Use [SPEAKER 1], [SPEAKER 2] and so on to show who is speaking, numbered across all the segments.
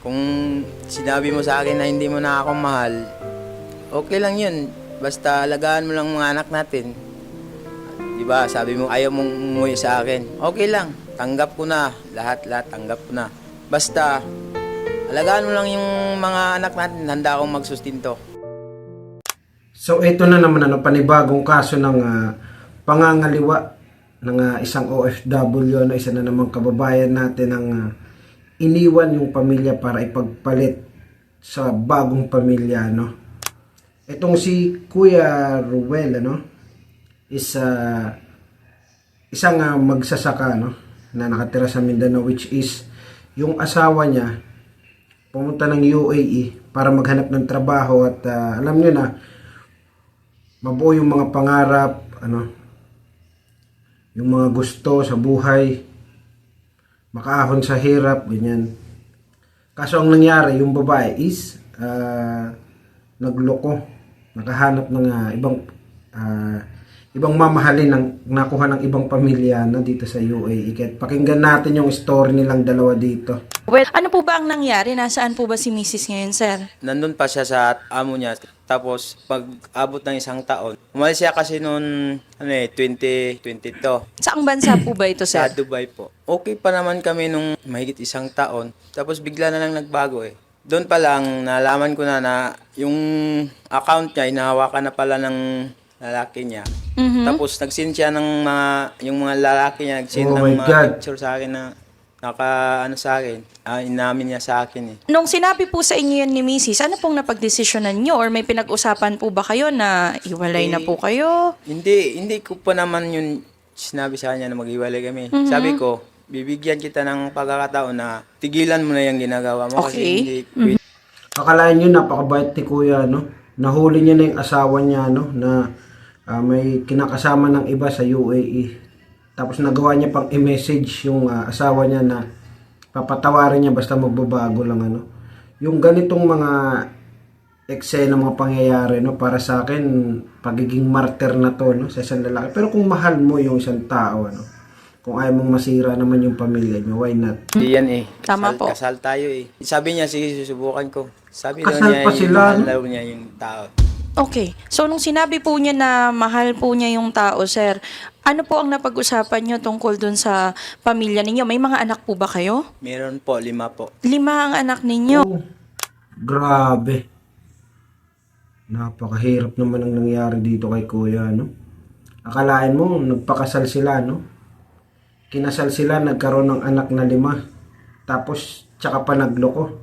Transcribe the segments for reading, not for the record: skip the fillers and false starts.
[SPEAKER 1] Kung sinabi mo sa akin na hindi mo na ako mahal, okay lang yun. Basta alagaan mo lang mga anak natin. Di ba? Sabi mo ayaw mong umuwi sa akin. Okay lang. Tanggap ko na. Lahat tanggap ko na. Basta alagaan mo lang yung mga anak natin. Handa akong magsustinto.
[SPEAKER 2] So ito na naman panibagong kaso ng pangangaliwa ng isang OFW, isa na namang kababayan natin ang iniwan yung pamilya para ipagpalit sa bagong pamilya, no? Itong si Kuya Ruel, is isang magsasaka, na nakatira sa Mindanao, which is yung asawa niya pumunta ng UAE para maghanap ng trabaho at alam niyo na mabuo yung mga pangarap, yung mga gusto sa buhay, makaahon sa hirap, ganyan. Kaso ang nangyari, yung babae is nagloko, nakahanap ng ibang mamahalin ng nakuha ng ibang pamilya na dito sa UAE. Kahit pakinggan natin yung story nilang dalawa dito.
[SPEAKER 3] Well, ano po ba ang nangyari? Nasaan po ba si Mrs. ngayon, sir?
[SPEAKER 1] Nandun pa siya sa amo niya. Tapos pag abot ng isang taon, umalis siya kasi noon 2022.
[SPEAKER 3] Saang bansa po ba ito,
[SPEAKER 1] Sa
[SPEAKER 3] sir?
[SPEAKER 1] Dubai po. Okay pa naman kami nung mahigit isang taon. Tapos bigla na lang nagbago eh. Doon pa lang nalaman ko na yung account niya hinahawakan na pala ng lalaki niya.
[SPEAKER 3] Mhm.
[SPEAKER 1] Tapos nag-send siya ng yung mga lalaki niya, nag-send
[SPEAKER 2] Oh
[SPEAKER 1] ng
[SPEAKER 2] my
[SPEAKER 1] mga
[SPEAKER 2] God.
[SPEAKER 1] picture sa akin na sa akin. Inamin niya sa akin eh.
[SPEAKER 3] Nung sinabi po sa inyo yun ni Mrs., ano pong napagdesisyonan nyo? Or may pinag-usapan po ba kayo na iwalay na po kayo?
[SPEAKER 1] Hindi ko pa naman yun sinabi sa kanya na maghiwalay kami. Sabi ko, bibigyan kita ng pagkakataon na tigilan mo na yung ginagawa mo kasi
[SPEAKER 3] Okay.
[SPEAKER 1] hindi pwede.
[SPEAKER 2] Akalain nyo, napakabait ni Kuya, Nahuli niya na yung asawa niya, na may kinakasama ng iba sa UAE. Tapos nagawa niya pang i-message yung asawa niya na papatawarin niya basta magbabago lang, Yung ganitong mga eksena, mga pangyayari, para sa akin, pagiging martyr na to, sa isang lalaki. Pero kung mahal mo yung isang tao, kung ayaw mong masira naman yung pamilya niyo, why not?
[SPEAKER 1] Hindi yan eh.
[SPEAKER 3] Tama po.
[SPEAKER 1] Kasal tayo eh. Sabi niya, sige, susubukan ko. Sabi daw
[SPEAKER 2] Kasal
[SPEAKER 1] niya,
[SPEAKER 2] pa sila,
[SPEAKER 1] mahal
[SPEAKER 2] no?
[SPEAKER 1] daw niya yung tao.
[SPEAKER 3] Okay. So, nung sinabi po niya na mahal po niya yung tao, sir, ano po ang napag-usapan niyo tungkol dun sa pamilya ninyo? May mga anak po ba kayo?
[SPEAKER 1] Meron po, 5 po.
[SPEAKER 3] 5 ang anak ninyo.
[SPEAKER 2] Oh, grabe. Napakahirap naman ang nangyari dito kay Kuya, Akalain mo, nagpakasal sila, Kinasal sila, nagkaroon ng anak na 5. Tapos, tsaka pa nagloko.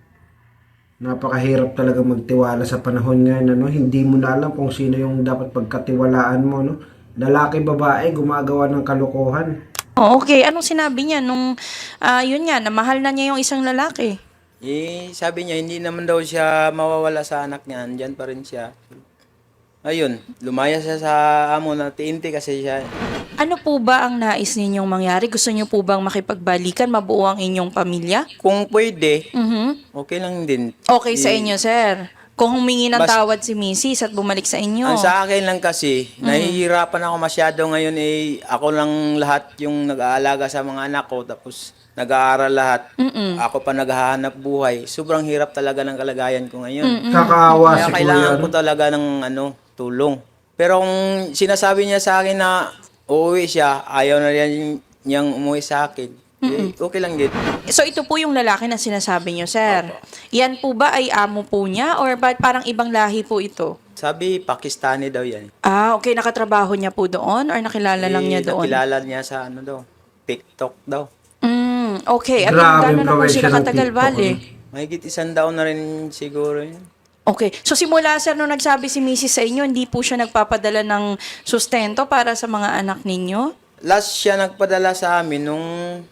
[SPEAKER 2] Napakahirap talaga magtiwala sa panahon ngayon, Hindi mo na alam kung sino yung dapat pagkatiwalaan mo, Lalaki, babae, gumagawa ng kalokohan.
[SPEAKER 3] Oh, okay. Anong sinabi niya nung, yun nga, na mahal na niya yung isang lalaki?
[SPEAKER 1] Sabi niya, hindi naman daw siya mawawala sa anak niya. Andyan pa rin siya. Ayun, lumaya siya sa amo na TNT kasi siya.
[SPEAKER 3] Ano po ba ang nais ninyong mangyari? Gusto niyo po bang makipagbalikan, mabuo ang inyong pamilya?
[SPEAKER 1] Kung pwede,
[SPEAKER 3] Mhm.
[SPEAKER 1] okay lang din.
[SPEAKER 3] Okay sa inyo, sir. Kung humingi ng tawad si Mrs. at bumalik sa inyo.
[SPEAKER 1] Ang sa akin lang kasi, nahihirapan ako masyado ngayon ako lang lahat yung nag-aalaga sa mga anak ko tapos nag-aaral lahat. Ako pa naghahanap buhay. Sobrang hirap talaga ng kalagayan ko ngayon.
[SPEAKER 2] Kakaawa
[SPEAKER 1] Kaya
[SPEAKER 2] si Kuya,
[SPEAKER 1] kailangan ko talaga ng tulong. Pero kung sinasabi niya sa akin na uuwi siya, ayaw na rin niyang umuwi sa akin. Okay lang din.
[SPEAKER 3] So ito po yung lalaki na sinasabi niyo, sir. Yan po ba ay amo po niya or ba parang ibang lahi po ito?
[SPEAKER 1] Sabi, Pakistani daw yan.
[SPEAKER 3] Ah, okay. Nakatrabaho niya po doon or nakilala lang niya doon?
[SPEAKER 1] Nakilala niya sa TikTok daw.
[SPEAKER 3] Okay.
[SPEAKER 2] Grabe
[SPEAKER 3] Gano'n na po
[SPEAKER 2] influensya
[SPEAKER 3] sila
[SPEAKER 2] ng
[SPEAKER 3] katagal,
[SPEAKER 2] TikTok,
[SPEAKER 3] bale?
[SPEAKER 1] Mahigit 1 taon na rin siguro yun.
[SPEAKER 3] Okay. So simula, sir, nung nagsabi si Mrs. sa inyo, hindi po siya nagpapadala ng sustento para sa mga anak ninyo?
[SPEAKER 1] Last siya nagpadala sa amin nung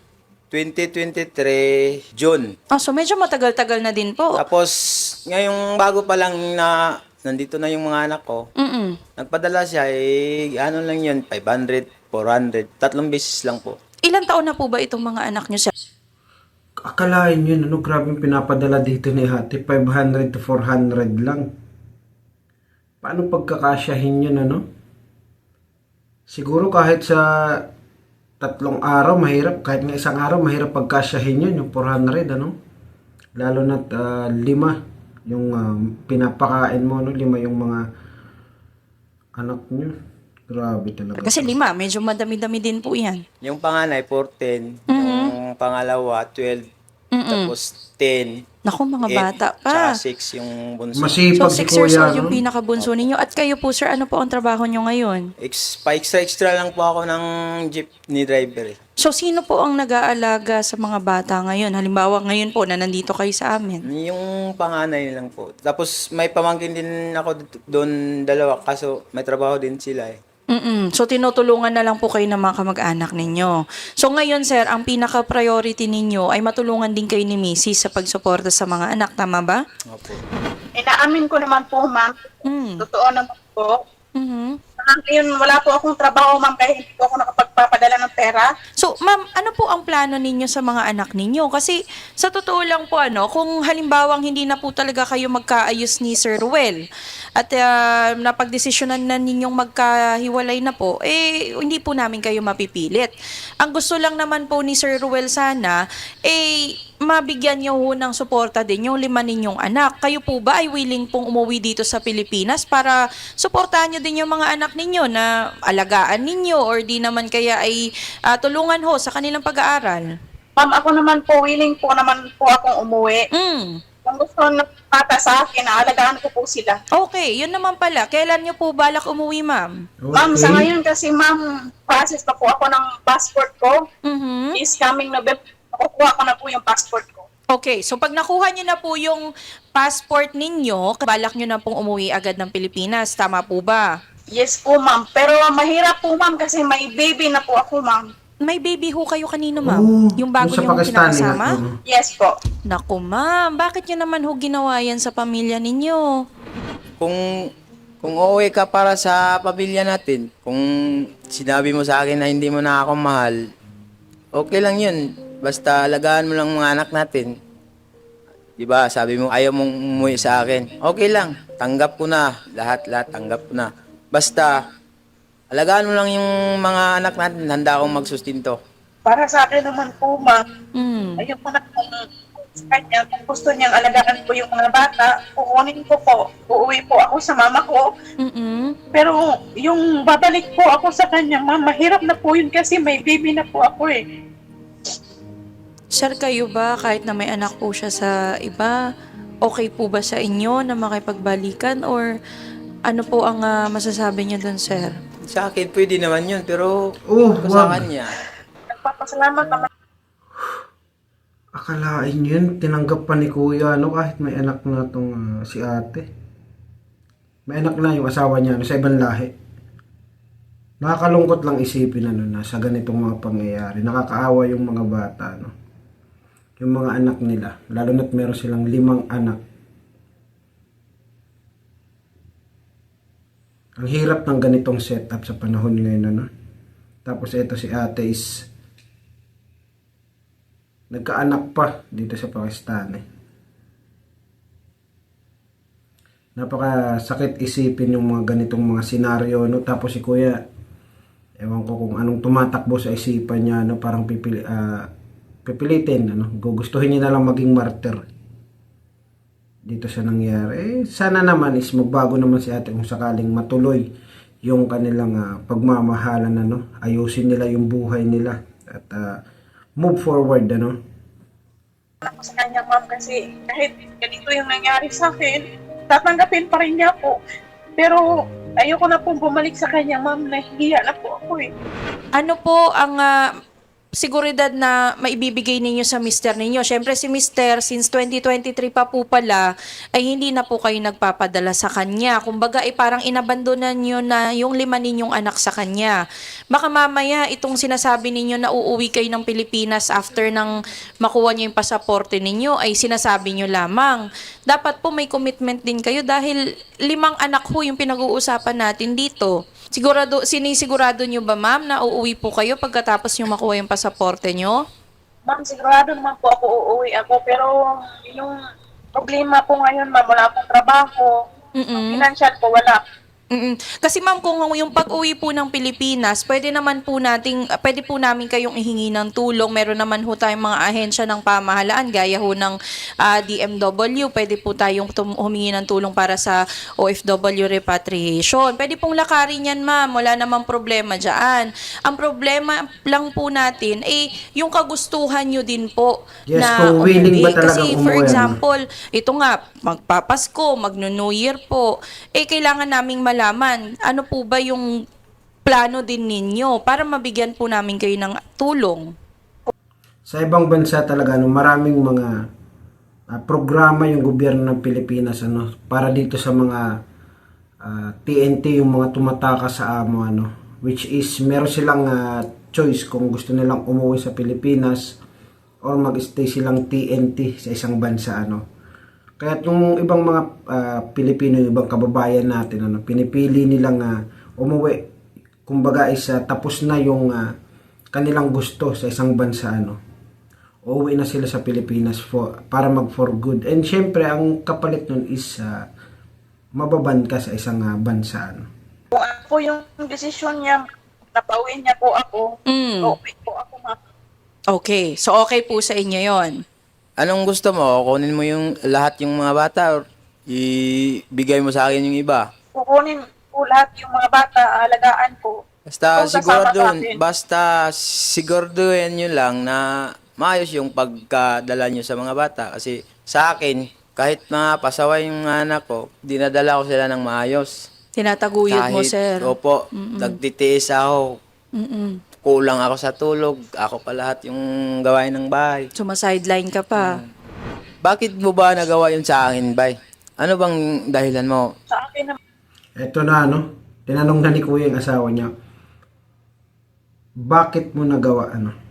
[SPEAKER 1] 2023 June.
[SPEAKER 3] Ah, so medyo matagal-tagal na din po.
[SPEAKER 1] Tapos ngayong bago pa lang na nandito na yung mga anak ko, nagpadala siya ano lang yun, 500, 400, 3 beses lang po.
[SPEAKER 3] Ilan taon na po ba itong mga anak niyo, sir?
[SPEAKER 2] Akalain yun, grabe yung pinapadala dito ni Hati, 500 to 400 lang. Paano pagkakasyahin yun, Siguro kahit sa 3 araw, mahirap. Kahit nga 1 araw, mahirap pagkasyahin yun, yung 400, Lalo na't 5 yung pinapakain mo, no? 5 yung mga anak nyo. Grabe talaga.
[SPEAKER 3] Kasi 5, medyo madami-dami din po yan.
[SPEAKER 1] Yung panganay, 14. Yung pangalawa, 12. Tapos 10.
[SPEAKER 3] Naku, mga
[SPEAKER 1] 8,
[SPEAKER 3] bata
[SPEAKER 1] tsaka
[SPEAKER 3] pa.
[SPEAKER 1] 6 yung bunso.
[SPEAKER 3] So,
[SPEAKER 2] Masipag si
[SPEAKER 3] 6 years
[SPEAKER 2] kuya,
[SPEAKER 3] old yung
[SPEAKER 2] no?
[SPEAKER 3] pinakabunso ninyo. At kayo po, sir, ano po ang trabaho nyo ngayon?
[SPEAKER 1] Pa-extra lang po ako ng jeepney driver eh.
[SPEAKER 3] So, sino po ang nag-aalaga sa mga bata ngayon? Halimbawa, ngayon po na nandito kayo sa amin.
[SPEAKER 1] Yung panganay lang po. Tapos may pamangkin din ako doon 2, kaso may trabaho din sila eh.
[SPEAKER 3] So, tinutulungan na lang po kayo ng mga kamag-anak ninyo. So, ngayon, sir, ang pinaka-priority ninyo ay matulungan din kayo ni Mrs. sa pagsuporta sa mga anak. Tama ba?
[SPEAKER 1] Opo.
[SPEAKER 4] Inaamin ko naman po, ma'am.
[SPEAKER 3] Mm.
[SPEAKER 4] Totoo naman po.
[SPEAKER 3] Mhm.
[SPEAKER 4] Ngayon, wala po akong trabaho, ma'am, kaya hindi po ako nakapagpapadala ng pera.
[SPEAKER 3] So, ma'am, ano po ang plano ninyo sa mga anak ninyo? Kasi sa totoo lang po, kung halimbawang hindi na po talaga kayo magkaayos ni Sir Ruel at napagdesisyonan na ninyong magkahiwalay na po, hindi po namin kayo mapipilit. Ang gusto lang naman po ni Sir Ruel sana, mabigyan niyo ho ng suporta din yung 5 ninyong anak. Kayo po ba ay willing pong umuwi dito sa Pilipinas para suportahan niyo din yung mga anak ninyo na alagaan ninyo or di naman kaya ay tulungan ho sa kanilang pag-aaral?
[SPEAKER 4] Ma'am, ako naman po, willing po naman po akong umuwi. Kung gusto ng bata sa akin, naalagaan ko po sila.
[SPEAKER 3] Okay, yun naman pala. Kailan niyo po balak umuwi, ma'am?
[SPEAKER 4] Ma'am, sa ngayon kasi, ma'am, process pa po ako ng passport ko.
[SPEAKER 3] Mhm.
[SPEAKER 4] Is coming November, makukuha ko na po yung passport ko.
[SPEAKER 3] Okay, so pag nakuha niyo na po yung passport ninyo, balak niyo na pong umuwi agad ng Pilipinas. Tama po ba?
[SPEAKER 4] Yes po, ma'am. Pero mahirap po, ma'am, kasi may baby na po ako, ma'am.
[SPEAKER 3] May baby ho kayo kanino, ma'am?
[SPEAKER 2] Oo,
[SPEAKER 3] Yung bago
[SPEAKER 2] yung sa
[SPEAKER 3] niyong
[SPEAKER 2] Pakistani
[SPEAKER 3] kinakasama?
[SPEAKER 2] na,
[SPEAKER 4] Yes po.
[SPEAKER 3] Naku, ma'am, bakit niyo naman ho ginawa yan sa pamilya ninyo?
[SPEAKER 1] Kung uuwi ka para sa pamilya natin, kung sinabi mo sa akin na hindi mo na ako mahal, okay lang yun. Basta alagaan mo lang mga anak natin. Diba, sabi mo ayaw mong umuwi sa akin. Okay lang, tanggap ko na. Lahat tanggap ko na. Basta, alagaan mo lang yung mga anak natin, handa akong magsustinto.
[SPEAKER 4] Para sa akin naman po, ma'am, ayun po na kung sa kanya, kung gusto niyang alagaan ko yung mga bata, kukunin ko po. Uuwi po ako sa mama ko. Pero yung babalik po ako sa kanya, ma'am, mahirap na po yun kasi may baby na po ako eh.
[SPEAKER 3] Sir, kayo ba, kahit na may anak po siya sa iba, okay po ba sa inyo na makipagbalikan or ano po ang masasabi niyo dun, sir?
[SPEAKER 1] Sa akin, pwede naman yun, pero sa
[SPEAKER 2] wag.
[SPEAKER 1] kanya.
[SPEAKER 4] Nagpapasalamat naman.
[SPEAKER 2] Akalain yun, tinanggap pa ni kuya, kahit may anak na tong si ate. May anak na yung asawa niya, sa ibang lahi. Nakakalungkot lang isipin, na sa ganitong mga pangyayari. Nakakaawa yung mga bata, yung mga anak nila. Lalo na't meron silang 5 anak. Ang hirap ng ganitong setup sa panahon ngayon, Tapos ito si ate is nagkaanak pa dito sa Pakistan. Napakasakit isipin yung mga ganitong mga senaryo, Tapos si kuya, ewan ko kung anong tumatakbo sa isipan niya, parang pipilitin, gugustuhin niya na lang maging martyr dito sa nangyari. Sana naman is magbago naman si ate kung sakaling matuloy yung kanilang pagmamahalan, ayusin nila yung buhay nila at move forward,
[SPEAKER 4] Ako sa kanya, ma'am, kasi kahit ganito yung nangyari sa akin, tatanggapin pa rin niya po. Pero ayoko na pong bumalik sa kanya, ma'am, nahihiya na po ako eh.
[SPEAKER 3] Ano po ang seguridad na maibibigay ninyo sa mister ninyo? Siyempre si mister, since 2023 pa po pala, ay hindi na po kayo nagpapadala sa kanya. Kumbaga, parang inabandonan nyo na yung 5 ninyong anak sa kanya. Baka mamaya, itong sinasabi ninyo na uuwi kayo ng Pilipinas after nang makuha nyo yung pasaporte ninyo, ay sinasabi nyo lamang. Dapat po may commitment din kayo dahil 5 anak ho yung pinag-uusapan natin dito. Sinisigurado nyo ba, ma'am, na uuwi po kayo pagkatapos nyo makuha yung pasaporte nyo?
[SPEAKER 4] Ma'am, sigurado naman po ako uuwi ako. Pero yung problema po ngayon, ma'am, wala akong trabaho. Financial po, wala.
[SPEAKER 3] Mm-mm. Kasi ma'am, kung yung pag-uwi po ng Pilipinas, pwede po namin kayong ihingi ng tulong. Meron naman ho tayong mga ahensya ng pamahalaan, gaya ho ng DMW. Pwede po tayong humingi ng tulong para sa OFW repatriation. Pwede pong lakarin yan, ma'am. Wala namang problema dyan. Ang problema lang po natin, yung kagustuhan nyo din po
[SPEAKER 2] Yes,
[SPEAKER 3] na
[SPEAKER 2] kung willing ba
[SPEAKER 3] umuwi.
[SPEAKER 2] talagang
[SPEAKER 3] Kasi for
[SPEAKER 2] umuwi, ano?
[SPEAKER 3] example, ito nga, magpapasko, magno-New Year po, kailangan naming malaman, ano po ba yung plano din ninyo para mabigyan po namin kayo ng tulong.
[SPEAKER 2] Sa ibang bansa talaga, maraming mga programa yung gobyerno ng Pilipinas para dito sa mga TNT, yung mga tumataka sa amo, which is meron silang choice kung gusto nilang umuwi sa Pilipinas or mag-stay silang TNT sa isang bansa. Kaya yung ibang mga Pilipino, yung ibang kababayan natin, pinipili nilang umuwi. Kumbaga is tapos na yung kanilang gusto sa isang bansa. Uuwi na sila sa Pilipinas para mag for good. And syempre, ang kapalit nun is mababan ka sa isang bansa.
[SPEAKER 4] Kung ano po yung desisyon niya, napauwi niya po ako, okay po ako, ma'am.
[SPEAKER 3] Okay, so okay po sa inyo yon.
[SPEAKER 1] Anong gusto mo? Kunin mo yung lahat yung mga bata or ibigay mo sa akin yung iba?
[SPEAKER 4] Kukunin po lahat yung mga bata, alagaan ko.
[SPEAKER 1] Basta
[SPEAKER 4] Kung sasama sa akin.
[SPEAKER 1] siguraduhin nyo lang na maayos yung pagkadala nyo sa mga bata. Kasi sa akin, kahit mga pasaway yung anak ko, dinadala ko sila ng maayos.
[SPEAKER 3] Tinataguyod mo, sir.
[SPEAKER 1] Opo, nagtitiis ako.
[SPEAKER 3] Mm-mm.
[SPEAKER 1] Kulang ako sa tulog. Ako pa lahat yung gawain ng bahay.
[SPEAKER 3] Sumasideline ka pa.
[SPEAKER 1] Bakit mo ba nagawa yun sa akin, bay? Ano bang dahilan mo?
[SPEAKER 4] Sa akin naman,
[SPEAKER 2] Eto na, tinanong na ni Kuya yung asawa niya, bakit mo nagawa,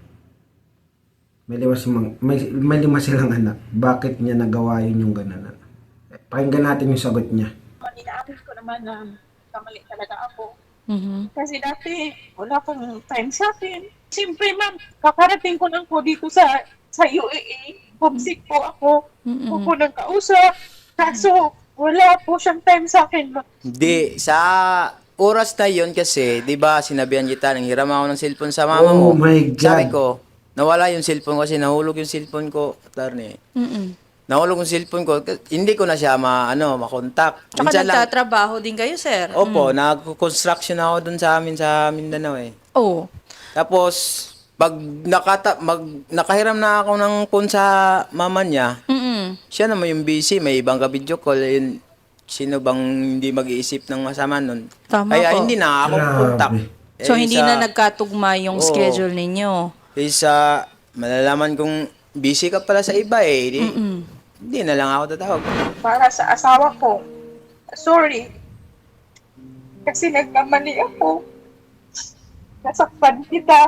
[SPEAKER 2] may lima silang anak. Bakit niya nagawa yun yung gano'n? Pakinggan natin yung sagot niya.
[SPEAKER 4] inaamin ko naman na kamali talaga ako.
[SPEAKER 3] Mhm.
[SPEAKER 4] Kasi dati, wala pong time sa akin. Siyempre, ma'am, kakarating ko lang po dito sa UAE. Homesick po ako. Huwag ko nang kausap. Kaso, wala po siyang time sa akin, ma'am.
[SPEAKER 1] Hindi, sa oras na yun kasi, di ba, sinabihan kita, nanghiram ako ng cellphone sa mama
[SPEAKER 2] Oh
[SPEAKER 1] mo.
[SPEAKER 2] my God.
[SPEAKER 1] Sabi ko, nawala yung cellphone ko kasi nahulog yung cellphone ko, attorney.
[SPEAKER 3] Mm-mm.
[SPEAKER 1] Nahulog yung cellphone ko, hindi ko na siya makontak.
[SPEAKER 3] Tsaka
[SPEAKER 1] Minsan lang,
[SPEAKER 3] nagtatrabaho din kayo, sir.
[SPEAKER 1] opo, nag-construction ako dun sa amin sa Mindanao eh.
[SPEAKER 3] Oh.
[SPEAKER 1] Tapos, pag nakahiram na ako ng phone sa mama niya,
[SPEAKER 3] Mm-mm.
[SPEAKER 1] siya naman yung busy, may ibang ka-video call, yun, sino bang hindi mag-iisip ng masama nun?
[SPEAKER 3] Tama
[SPEAKER 1] Kaya
[SPEAKER 3] po.
[SPEAKER 1] hindi na ako
[SPEAKER 2] Grabe.
[SPEAKER 1] contact.
[SPEAKER 3] So, hindi na nagkatugma yung
[SPEAKER 1] Oo.
[SPEAKER 3] schedule ninyo.
[SPEAKER 1] Isa, malalaman kong busy ka pala sa iba eh. Hindi na lang ako tatawag.
[SPEAKER 4] Para sa asawa ko, sorry. Kasi nagkamali ako. Nasaktan kita.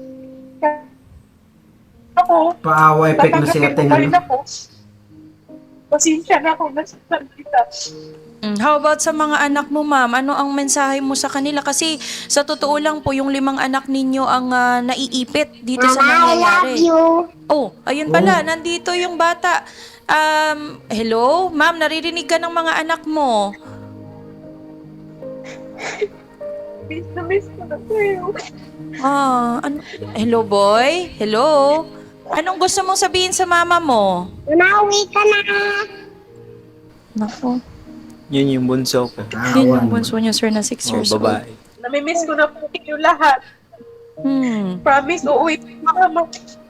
[SPEAKER 4] Ako,
[SPEAKER 2] Paawa effect na siya,
[SPEAKER 4] tatanggapin ko pa rin ako. Pasensya na ako, nasaktan kita.
[SPEAKER 3] How about sa mga anak mo, ma'am? Ano ang mensahe mo sa kanila? Kasi sa totoo lang po, yung 5 anak ninyo ang naiipit dito sa nangyayari. Oh, ayun pala, nandito yung bata. Hello? Ma'am, naririnig ka ng mga anak mo.
[SPEAKER 4] Miss na miss ko na kayo.
[SPEAKER 3] Hello, boy? Hello? Anong gusto mong sabihin sa mama mo?
[SPEAKER 5] Umawi ka na.
[SPEAKER 3] Naku.
[SPEAKER 1] Yun yung bunso ko.
[SPEAKER 3] Yun
[SPEAKER 2] Paawa.
[SPEAKER 3] yung bunso niya, sir, na 6 years old.
[SPEAKER 1] Babae.
[SPEAKER 4] Namimiss ko na po kayo lahat. Promise, uuwi po yung mama.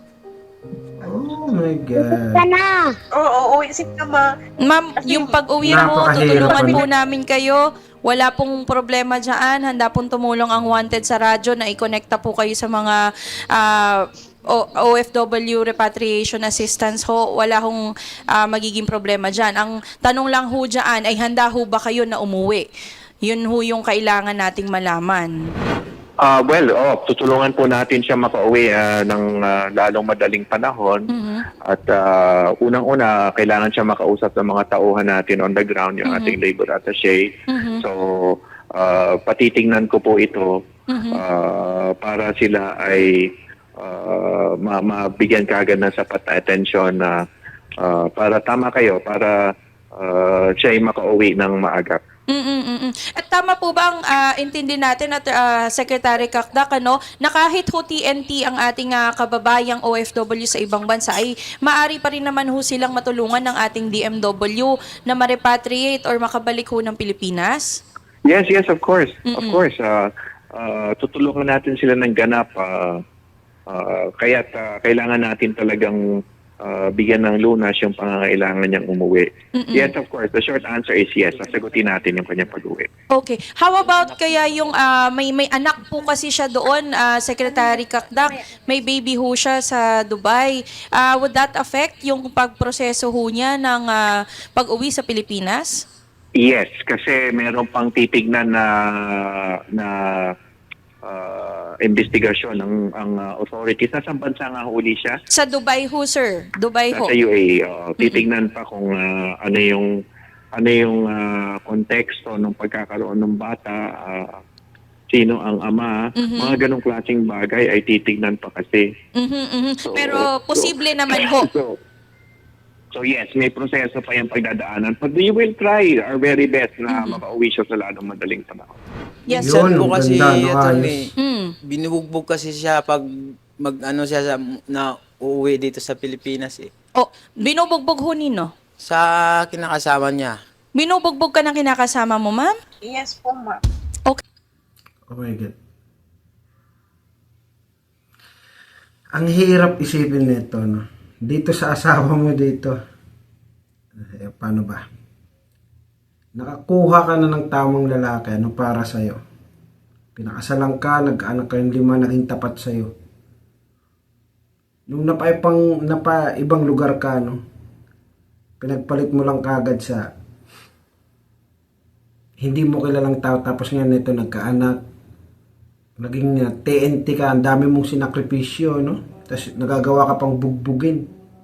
[SPEAKER 2] Oh my God.
[SPEAKER 5] Ka na.
[SPEAKER 4] Oo, uuwi si mama.
[SPEAKER 3] Ma'am, yung pag-uwi mo,
[SPEAKER 2] Napakahirap
[SPEAKER 3] tutulungan
[SPEAKER 2] ano.
[SPEAKER 3] po namin kayo. Wala pong problema dyan. Handa pong tumulong ang Wanted sa radyo na i-connecta po kayo sa mga OFW repatriation assistance ho. Wala hong magiging problema dyan. Ang tanong lang ho dyan ay handa ho ba kayo na umuwi? Yun ho yung kailangan nating malaman.
[SPEAKER 6] Tutulungan po natin siya makauwi ng lalong madaling panahon. At unang-una, kailangan siya makausap ng mga tauhan natin on the ground, yung ating labor attaché. So, patitingnan ko po ito para sila ay mabigyan kaagad ng sapat na atensyon na para tama kayo, para siya ay makauwi ng maaga.
[SPEAKER 3] At tama po ba ang intindi natin at Secretary Kakdak, ano, na kahit ho TNT ang ating kababayang OFW sa ibang bansa ay maari pa rin naman ho silang matulungan ng ating DMW na ma-repatriate or makabalik ho ng Pilipinas?
[SPEAKER 6] Yes, of course. Of course. Tutulungan natin sila ng ganap. Kaya't kailangan natin talagang bigyan ng lunas yung pangangailangan niyang umuwi. Yes, of course. The short answer is yes. Sasagutin natin yung kanyang pag-uwi.
[SPEAKER 3] Okay. How about kaya yung may anak po kasi siya doon, Secretary Kakdak, may baby ho siya sa Dubai. Would that affect yung pagproseso ho niya ng pag-uwi sa Pilipinas?
[SPEAKER 6] Yes, kasi meron pang titignan na investigasyon ang authorities. Nasa bansa nga huli siya?
[SPEAKER 3] Sa Dubai ho, sir. Dubai ho.
[SPEAKER 6] Sa UAE. Titignan pa kung ano yung konteksto ng pagkakaroon ng bata, sino ang ama, mga ganong klaseng bagay ay titignan pa kasi.
[SPEAKER 3] Pero posible naman ho.
[SPEAKER 6] So yes, may proseso pa yung pagdadaanan. But we will try our very best na makauwi siya sa lalong madaling panahon.
[SPEAKER 3] Yes,
[SPEAKER 2] Yun,
[SPEAKER 3] sir.
[SPEAKER 1] Minsan po kasi,
[SPEAKER 2] ganda, no,
[SPEAKER 1] attorney,
[SPEAKER 2] ayos.
[SPEAKER 1] binubugbog kasi siya pag mag-ano siya na uuwi dito sa Pilipinas eh.
[SPEAKER 3] Oh, binubugbog ho nino.
[SPEAKER 1] Sa kinakasama niya.
[SPEAKER 3] Binubugbog ka ng kinakasama mo, ma'am?
[SPEAKER 4] Yes po, ma'am.
[SPEAKER 3] Okay.
[SPEAKER 2] Oh my God. Ang hirap isipin nito, no? Dito sa asawa mo dito. Paano ba? Nakakuha ka na ng tamang lalaki, ano, para sa'yo. Pinakasalan ka, nag-anak kayong 5, naging tapat sa'yo. Nung ibang lugar ka, no? Pinagpalit mo lang kagad sa hindi mo kilalang tao, tapos nga nito nagkaanak. Naging TNT ka, ang dami mong sinakripisyo, no? Tapos nagagawa ka pang bugbugin.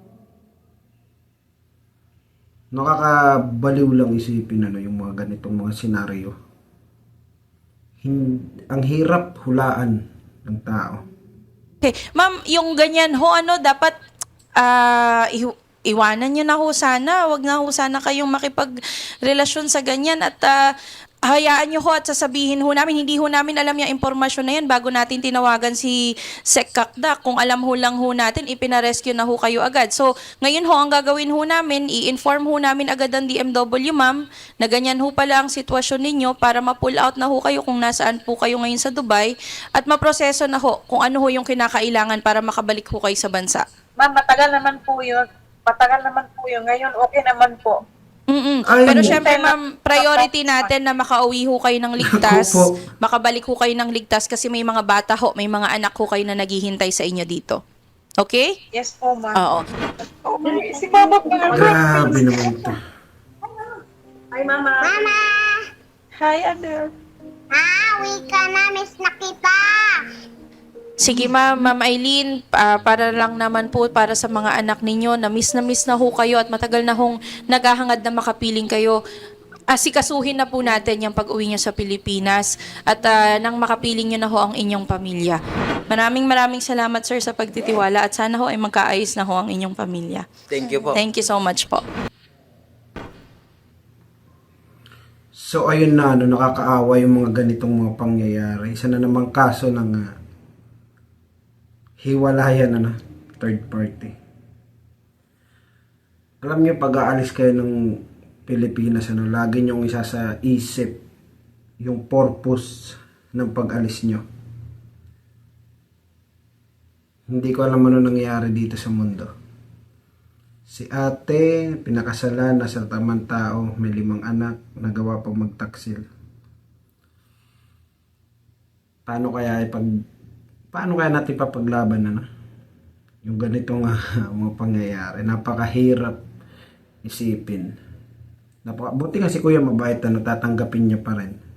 [SPEAKER 2] Nakakabaliw lang isipin yung mga ganitong mga senaryo. Ang hirap hulaan ng tao.
[SPEAKER 3] Okay. Ma'am, yung ganyan ho, dapat iwanan nyo na ho sana. Huwag na ho sana kayong makipagrelasyon sa ganyan at hayaan nyo ho at sasabihin ho namin, hindi ho namin alam yung impormasyon na yan bago natin tinawagan si Sec Kakdak. Kung alam ho lang ho natin, ipinarescue na ho kayo agad. So, ngayon ho, ang gagawin ho namin, i-inform ho namin agad ang DMW, ma'am, na ganyan ho pala ang sitwasyon ninyo para ma-pull out na ho kayo kung nasaan po kayo ngayon sa Dubai at maproseso na ho kung ano ho yung kinakailangan para makabalik ho kayo sa bansa.
[SPEAKER 4] Ma'am, matagal naman po yun. Ngayon, okay naman po.
[SPEAKER 2] Ay,
[SPEAKER 3] Pero syempre, ma'am, priority natin na makauwi ho kayo ng ligtas,
[SPEAKER 2] Opo.
[SPEAKER 3] makabalik ho kayo ng ligtas kasi may mga bata ho, may mga anak ho kayo na naghihintay sa inyo dito. Okay?
[SPEAKER 4] Yes po, ma'am.
[SPEAKER 3] Oo.
[SPEAKER 4] Oh, si Mama po.
[SPEAKER 2] grabe naman to.
[SPEAKER 4] Hi, Mama.
[SPEAKER 5] Mama!
[SPEAKER 4] Hi, Adel.
[SPEAKER 5] Uwi ka na, miss na kita!
[SPEAKER 3] Sige ma'am Eileen, para lang naman po para sa mga anak ninyo na miss na ho kayo at matagal na hong naghahangad na makapiling kayo. Asikasuhin na po natin yung pag-uwi nyo sa Pilipinas at nang makapiling nyo na ho ang inyong pamilya. Maraming salamat sir sa pagtitiwala at sana ho ay magkaayos na ho ang inyong pamilya.
[SPEAKER 1] Thank you po.
[SPEAKER 3] Thank you so much po.
[SPEAKER 2] So ayun na, nakakaawa yung mga ganitong mga pangyayari. Isa na namang kaso ng hiwalayan third party. Alam niyo, pag aalis kayo ng Pilipinas, lagi niyong isa sa isip yung purpose ng pag-alis niyo. Hindi ko alam ano nangyari dito sa mundo. Si ate, pinakasalan, nasa tamang tao, may 5 anak, nagawa pang magtaksil. Paano kaya natin papaglaban yung ganitong mga pangyayari? Napakahirap isipin. Buti nga si Kuya mabait, tatanggapin niya pa rin.